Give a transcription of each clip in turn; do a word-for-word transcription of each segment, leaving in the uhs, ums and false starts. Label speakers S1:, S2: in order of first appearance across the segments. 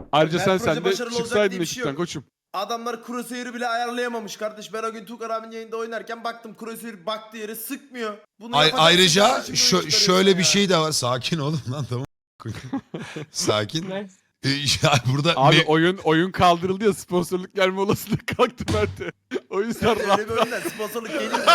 S1: Ayrıca
S2: Her
S1: sen
S2: proje
S1: sen de
S2: başarılı olacak
S1: çıksaydın
S2: diye bir şey
S1: ekipten
S2: yok.
S1: koçum.
S2: Adamlar crosshair'ı bile ayarlayamamış kardeş. Ben o gün Tukan abinin yayında oynarken baktım crosshair baktığı yere sıkmıyor. Bunu
S3: Ay-
S2: yapacaksın
S3: ayrıca
S2: kardeşim, böyle
S3: şö-
S2: çıkarıyorsun
S3: şöyle
S2: ya.
S3: bir şey de var. Sakin olun lan, tamam. Sakin.
S4: Ne?
S3: Ee, ya burada
S1: Abi
S3: me-
S1: oyun oyun kaldırıldı ya, sponsorluk gelme olasılığı kalktı Mert'e. O yüzden rahat.
S2: Öyle bir oyundan sponsorluk gelir mi?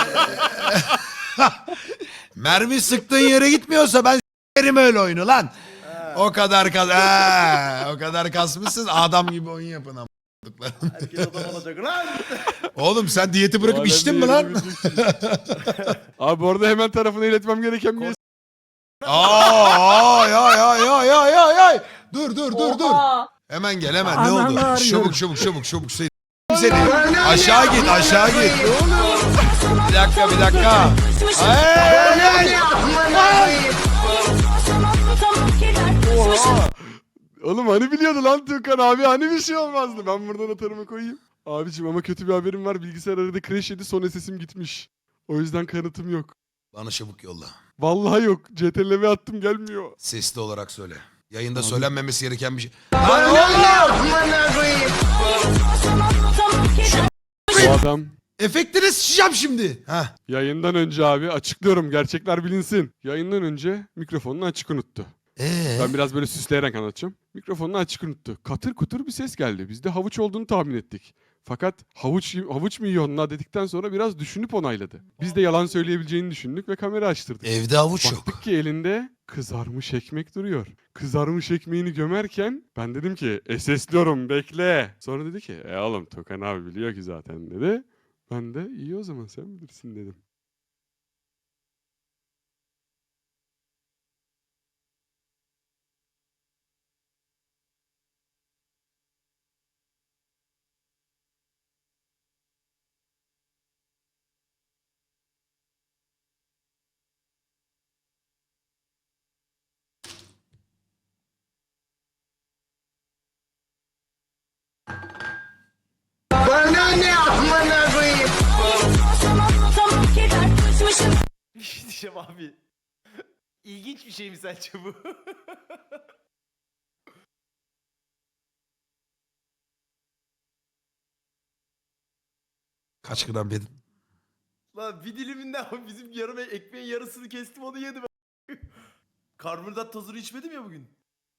S3: mermi sıktığın yere gitmiyorsa ben s**erim öyle oyunu lan. O kadar kas ha, o kadar kasmışsın, adam gibi oyun yapın ama.
S2: Herkes adam olacak lan.
S3: Oğlum sen diyeti bırakıp
S1: O
S3: içtin mi
S1: alemde
S3: lan?
S1: yerini bileceksin. Abi bu arada hemen tarafına iletmem gereken bir
S3: Aa, ya ya ya ya ya ya. Dur dur dur dur.
S4: Oha!
S3: Hemen gel hemen, ne
S4: Ananı
S3: oldu?
S4: arıyorum.
S3: Çabuk çabuk çabuk çabuk seni. Seni. Aşağı git aşağı git. Bir dakika bir dakika. Ay, ay, ay.
S1: Oğlum hani biliyordu lan Tukan abi, hani bir şey olmazdı. Ben buradan atarımı koyayım. Abicim ama kötü bir haberim var. Bilgisayar arada crash yedi, son sesim gitmiş. O yüzden kanıtım yok.
S3: Bana çabuk yolla.
S1: Vallahi yok. C T L V attım, gelmiyor.
S3: Sesli olarak söyle. Yayında
S1: Abi.
S3: söylenmemesi gereken bir şey.
S1: Bu adam
S3: Efektine sıçacağım şimdi. Heh.
S1: yayından önce abi, açıklıyorum gerçekler bilinsin. Yayından önce mikrofonunu açık unuttu.
S3: Ee?
S1: Ben biraz böyle süsleyerek anlatacağım. Mikrofonunu açık unuttu. Katır kutur bir ses geldi. Biz de havuç olduğunu tahmin ettik. Fakat havuç havuç mu yiyorsun la dedikten sonra biraz düşünüp onayladı. Biz de yalan söyleyebileceğini düşündük ve kamera açtırdık.
S3: Evde avuç yok.
S1: Baktık ki elinde kızarmış ekmek duruyor. Kızarmış ekmeğini gömerken ben dedim ki e sesliyorum bekle. Sonra dedi ki e oğlum Tokan abi biliyor ki zaten dedi. Ben de iyi o zaman sen bilirsin dedim.
S2: Bir şey diyeceğim abi. İlginç bir şey mi sence bu?
S3: Kaç gram yedin?
S2: Lan bir diliminden ama bizim yarım ekmeğin yarısını kestim, onu yedim. Karbonhidrat tozunu içmedim ya bugün.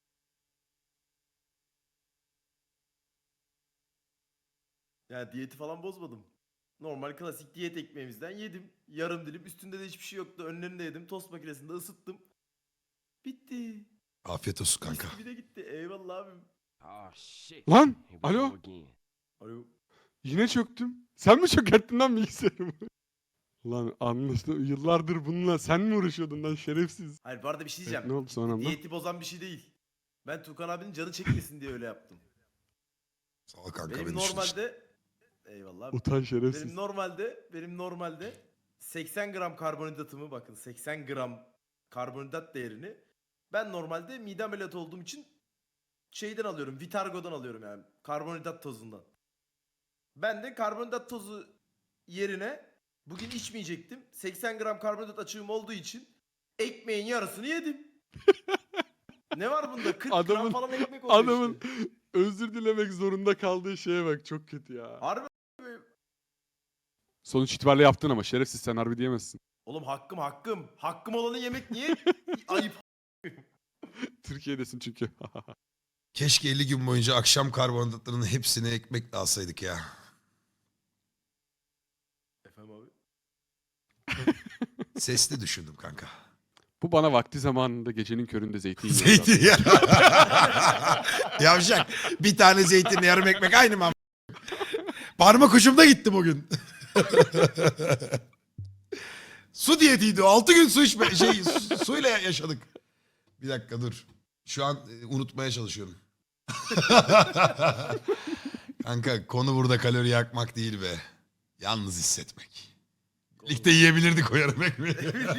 S2: Yani diyeti falan bozmadım. Normal klasik diyet ekmeğimizden yedim. Yarım dilim, üstünde de hiçbir şey yoktu. Önlerinde yedim. Tost makinesinde ısıttım. Bitti.
S3: Afiyet olsun kanka.
S2: Mis gibi de gitti. Eyvallah abim.
S1: Lan alo,
S2: Alo.
S1: yine çöktüm. Sen mi çökerttin lan bilgisayarımı? Lan anlaşıldı. Yıllardır bununla sen mi uğraşıyordun lan şerefsiz?
S2: Hayır bu arada bir şey diyeceğim.
S1: Ne oldu sonra lan?
S2: Diyeti bozan bir şey değil. Ben Tukan abinin canı çekmesin diye öyle yaptım.
S3: Sağ ol kanka,
S2: Benim
S3: beni düşün işte.
S2: normalde eyvallah abi.
S1: Utan şerefsiz.
S2: Benim normalde benim normalde seksen gram karbonhidratımı, bakın seksen gram karbonhidrat değerini ben normalde mide ameliyatı olduğum için şeyden alıyorum. Vitargo'dan alıyorum yani. Karbonhidrat tozundan. Ben de karbonhidrat tozu yerine bugün içmeyecektim. seksen gram karbonhidrat açığım olduğu için ekmeğin yarısını yedim. Ne var bunda? kırk
S1: Adamın-
S2: gram falan ekmek oluyor
S1: Adamın
S2: işte.
S1: özür dilemek zorunda kaldığı şeye bak, çok kötü ya.
S2: Harbi.
S1: Sonuç itibariyle yaptın ama şerefsiz, sen harbi diyemezsin.
S2: Oğlum hakkım hakkım. Hakkım olanı yemek niye ayıp?
S1: Türkiye'desin çünkü.
S3: Keşke elli gün boyunca akşam karbonhidratlarının hepsini ekmekle alsaydık ya.
S2: Efendim abi?
S3: Sesli düşündüm kanka.
S1: Bu bana vakti zamanında gecenin köründe zeytin yiyordu.
S3: Zeytin ya. Yavşak. Bir tane zeytinle yarım ekmek aynı mı? Parmak ucumda gitti bugün. Su diyetiydi o. Altı gün su içme şey su, suyla yaşadık. Bir dakika dur. Şu an e, unutmaya çalışıyorum. Kanka konu burada kalori yakmak değil be. Yalnız hissetmek. Birlikte yiyebilirdik o yarım ekmeği.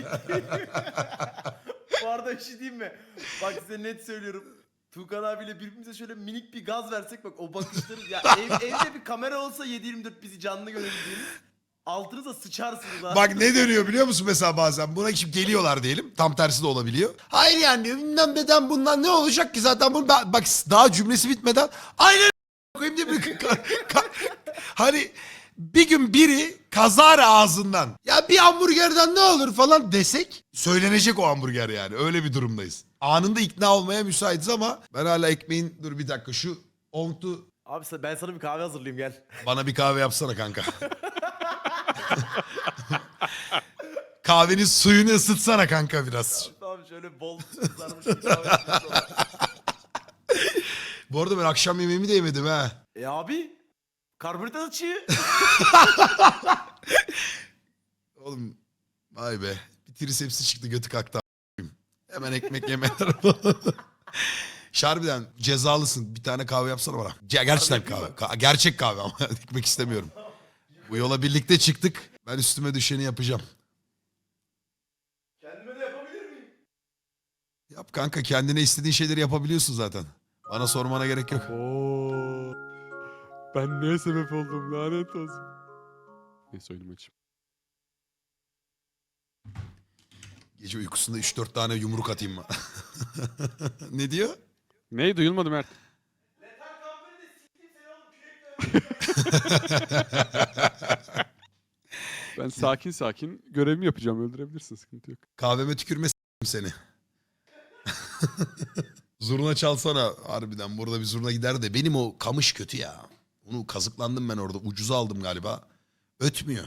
S2: Bu arada bir şey diyeyim mi? Bak size net söylüyorum. Tuğkan abiyle birbirimize şöyle minik bir gaz versek, bak o bakışları ya ev, evde bir kamera olsa yedi yirmi dört bizi canlı görebildiğimiz, altınıza sıçarsınız ha.
S3: Bak ne dönüyor biliyor musun mesela bazen? Buna şimdi geliyorlar diyelim. Tam tersi de olabiliyor. Hayır yani bilmem neden bundan ne olacak ki zaten bunu ben- bak daha cümlesi bitmeden aynen koyayım diye bir ka- ka- hani bir gün biri kazara ağzından ya bir hamburgerden ne olur falan desek söylenecek o hamburger yani. Öyle bir durumdayız. Anında ikna olmaya müsaitiz ama ben hala ekmeğin dur bir dakika şu ontu
S2: Abi sen- ben sana bir kahve hazırlayayım gel.
S3: bana bir kahve yapsana kanka. Kahvenin suyunu ısıtsana kanka biraz.
S2: Tamam şöyle bol sarmış bir kahve yapayım sana.
S3: Bu arada ben akşam yemeğimi de yemedim ha.
S2: E abi karbonhidrat açığı.
S3: Oğlum vay be. Bir trisepsi çıktı götü kalktı. a**ayım. Hemen ekmek yemeler. Şarbiden cezalısın. Bir tane kahve yapsana bana. Ce- gerçekten
S2: Abi yapayım
S3: kahve. Ka- gerçek kahve ama ekmek istemiyorum. Bu yola birlikte çıktık. Ben üstüme düşeni yapacağım.
S2: Kendime de yapabilir miyim?
S3: Yap kanka kendine istediğin şeyleri yapabiliyorsun zaten. Bana sormana gerek yok.
S1: Oo. Ben neye sebep oldum lanet olsun. Neyse oyunumu açayım.
S3: Gece uykusunda üç dört tane yumruk atayım mı? Ne diyor?
S1: Ney duyulmadı Mert?
S2: Letal kampını da siktim seni oğlum kürekle.
S1: Ben sakin sakin görevimi yapacağım. Öldürebilirsin, sıkıntı yok.
S3: Kahveme tükürme s**tim seni. Zurna çalsana harbiden. Burada bir zurna gider de. Benim o kamış kötü ya. Onu kazıklandım ben orada. Ucuza aldım galiba. Ötmüyor.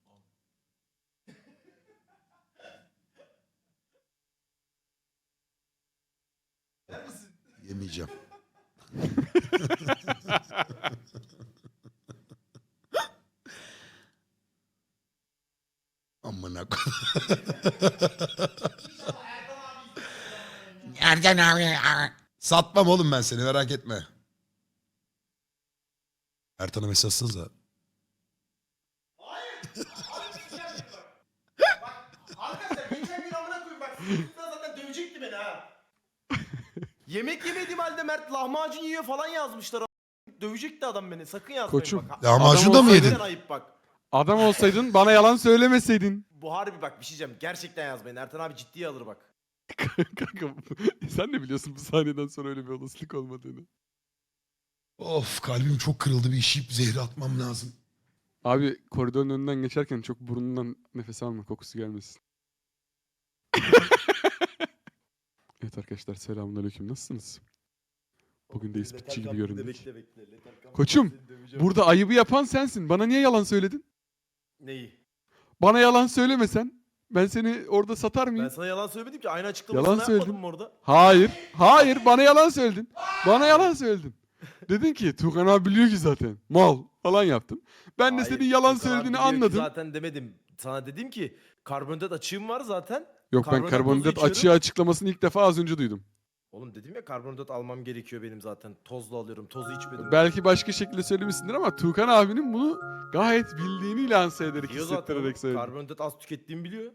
S3: Yemeyeceğim. Amına koyayım.
S4: Nereden abi?
S3: Satmam oğlum ben seni merak etme. Ertan'a mesaj atsanıza.
S2: Arkadaşlar geçen gün amına koyayım bak. Sıkıntıda zaten dövecekti beni ha. Yemek yemediğim halde Mert lahmacun yiyor falan yazmışlar. a**. Dövecekti adam beni. Sakın yazmayın
S1: Koçum,
S2: bak.
S3: Lahmacun da mı
S1: olsaydın-
S3: yedin?
S2: Gerçekten ayıp bak.
S1: Adam olsaydın bana yalan söylemeseydin.
S2: Bu harbi bak bir şey diyeceğim. Gerçekten yazmayın. Ertan abi ciddiye alır bak.
S1: Kanka sen de biliyorsun bu sahneden sonra öyle bir olasılık olmadığını.
S3: Of kalbim çok kırıldı bir işip zehri atmam lazım.
S1: Abi koridorun önünden geçerken çok burnundan nefes alma, kokusu gelmesin. Evet arkadaşlar, selamünaleyküm, nasılsınız? Bugün de ispitçi gibi göründük.
S2: Bekle bekle. Letal kampında
S1: Koçum,
S2: seni döveceğim.
S1: Burada ayıbı yapan sensin. Bana niye yalan söyledin?
S2: Neyi?
S1: Bana yalan söylemesen ben seni orada satar mıyım?
S2: Ben sana yalan söylemedim ki. Aynı açıklamasını
S1: Yalan
S2: yapmadım
S1: söyledin.
S2: mı orada?
S1: Hayır. Hayır, bana yalan söyledin. Bana yalan söyledin. Dedin ki Tuğkan abi biliyor ki zaten. Mal falan yaptın. Ben de
S2: Hayır,
S1: senin yalan
S2: Tuğkan abi
S1: söylediğini
S2: biliyor ki
S1: anladım.
S2: Zaten demedim. Sana dedim ki karbonhidrat açığım var zaten.
S1: Yok, ben
S2: karbonhidrat
S1: karbonhidrat
S2: tozu
S1: açığı
S2: içiyorum.
S1: açıklamasını ilk defa az önce duydum.
S2: Oğlum dedim ya karbonhidrat almam gerekiyor benim zaten. Tozlu alıyorum. Tozu içmedim.
S1: Belki başka şekilde söylemişsindir ama Tuğkan abinin bunu gayet bildiğini lanse ederek,
S2: Biliyor zaten oğlum.
S1: hissettirerek söyledi.
S2: Karbonhidrat az tükettiğimi biliyor.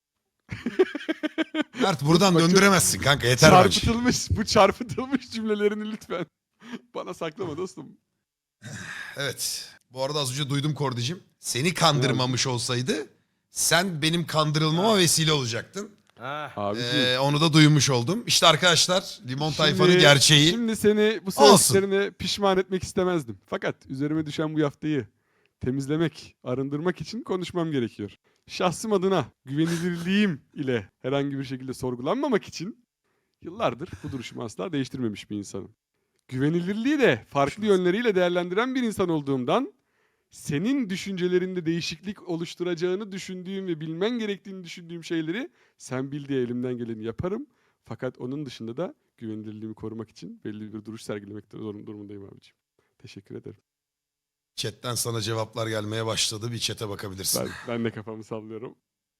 S3: Mert buradan
S1: Bak,
S3: döndüremezsin kanka yeter bence.
S1: Çarpıtılmış, bu çarpıtılmış cümlelerini lütfen bana saklama dostum.
S3: Evet. Bu arada az önce duydum Kordicim. Seni kandırmamış olsaydı sen benim kandırılmama vesile olacaktın.
S2: Ha.
S1: Abiciğim.
S3: Ee, onu da duymuş oldum. İşte arkadaşlar Limon Tayfa'nın
S1: Şimdi-
S3: gerçeği.
S1: Şimdi seni bu
S3: Olsun.
S1: söylediklerine pişman etmek istemezdim. Fakat üzerime düşen bu yaftayı temizlemek, arındırmak için konuşmam gerekiyor. Şahsım adına güvenilirliğim ile herhangi bir şekilde sorgulanmamak için yıllardır bu duruşumu asla değiştirmemiş bir insanım. Güvenilirliği de farklı yönleriyle değerlendiren bir insan olduğumdan senin düşüncelerinde değişiklik oluşturacağını düşündüğüm ve bilmen gerektiğini düşündüğüm şeyleri sen bil diye elimden geleni yaparım. Fakat onun dışında da güvenilirliğimi korumak için belli bir duruş sergilemek zorun- durumundayım abiciğim. Teşekkür ederim.
S3: Chatten sana cevaplar gelmeye başladı. Bir chat'e bakabilirsin.
S1: Ben, ben de kafamı sallıyorum.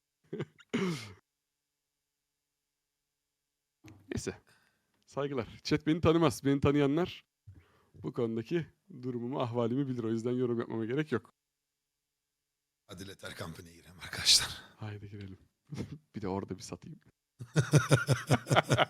S1: Neyse. Saygılar. Chat beni tanımaz. Beni tanıyanlar bu konudaki durumumu, ahvalimi bilir. O yüzden yorum yapmama gerek yok.
S3: Hadi Letter Company'ye girelim arkadaşlar.
S1: Haydi girelim. Bir de orada bir satayım.